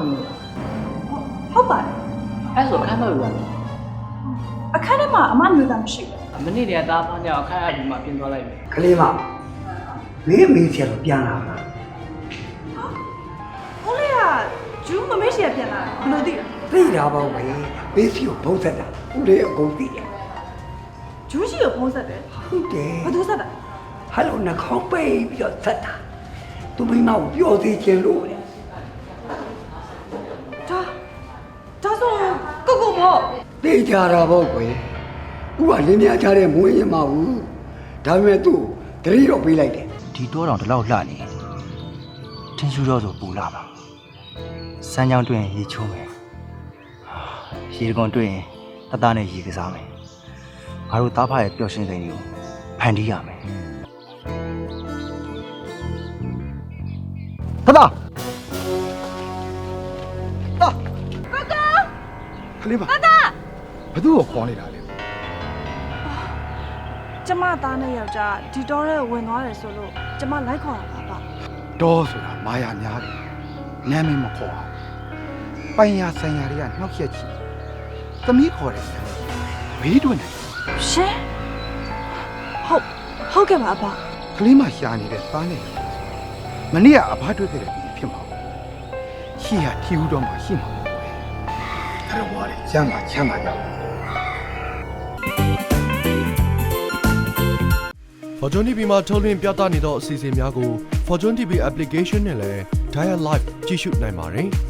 ဟုတ်ပါတယ်အဲ့ဆိုအခန်းတော့ယူရတယ်အခန်းထဲမှာအမမျိုးသားမရှိဘူးမနေ့တည်းကသားဖားညောင်အခန်းအပြင်မှာပြင်သွားလိုက်ပြီကလေးမမင်းမေးချက်တော့ပြန်လာပါဟုတ်လေကဂျူးမမေ့ရှေ့ပြန်လာဘယ်လိုသိလဲသိတာပေါ့ပဲဘေးစီကိုဘုံဆက်တာဦးလေးအကုန်သိတယ်ဂျူးရှိကိုဖုံးဆက်တယ်ဟုတ်တယ်ဘယ်သူဆက်တာဟယ်လိုနှာခေါင်းပိတ်ပြီးတော့ဆက်တာသူမိမကိုပြောသေးခြင်းလို့လေဒါဆိုကိုကိုမော့သိကြတာပေါ့ကွယ်ဦးကလင်းများချတဲ့မွေးရင်မဟုတ်ဒါပေမဲ့သူ့တတိတော့ပေးလိုက်တယ်ဒီတောတောင်တလောက်လှနေထင်းရှူတော့ဆိုပူလာပါစမ်းချောင်းတွေ့ရင်ရေချိုးမယ်ရေကွန်တွေ့ရင်တသားနဲ့ရေကစားမယ်ငါတို့သားဖရဲ့ပျော်ရွှင်စိန်တွေကိုဖန်တီးရမယ်တသားခလေးပါဘသူ့ကိုခေါ်နေတာလဲကျမသားနဲ့ယောက်ျားဒီတော့ရဲဝင်သွားတယ်ဆိုလို့ကျမလိုက်ခေါ်တာပါဒေါ်ဆိုတာမာယာများတယ်နာမည်မခေါ်အောင်ပိုင်ရဆိုင်ရာတွေကနှောက်ရက်ချီသမီးခေါ်တယ်ဘေးတွင်တယ်ရှင်ဟုတ်ကဲ့ပါအဖခလေးမရှာနေတဲ့သားနဲ့မနေ့ကအဖတွေ့ခဲ့တဲ့သူဖြစ်မှာရှိရထီဦးတော့မှရှိမှာအဲ့တော့ဝါတယ်ချမ်းသာကြပါ Fortune TV မှာထုတ်လွှင့်ပြသနေသောအစီအစဉ်များကို Fortune TV application နဲ့လည်း Dial Live ကြည့်ရှုနိုင်ပါတယ်။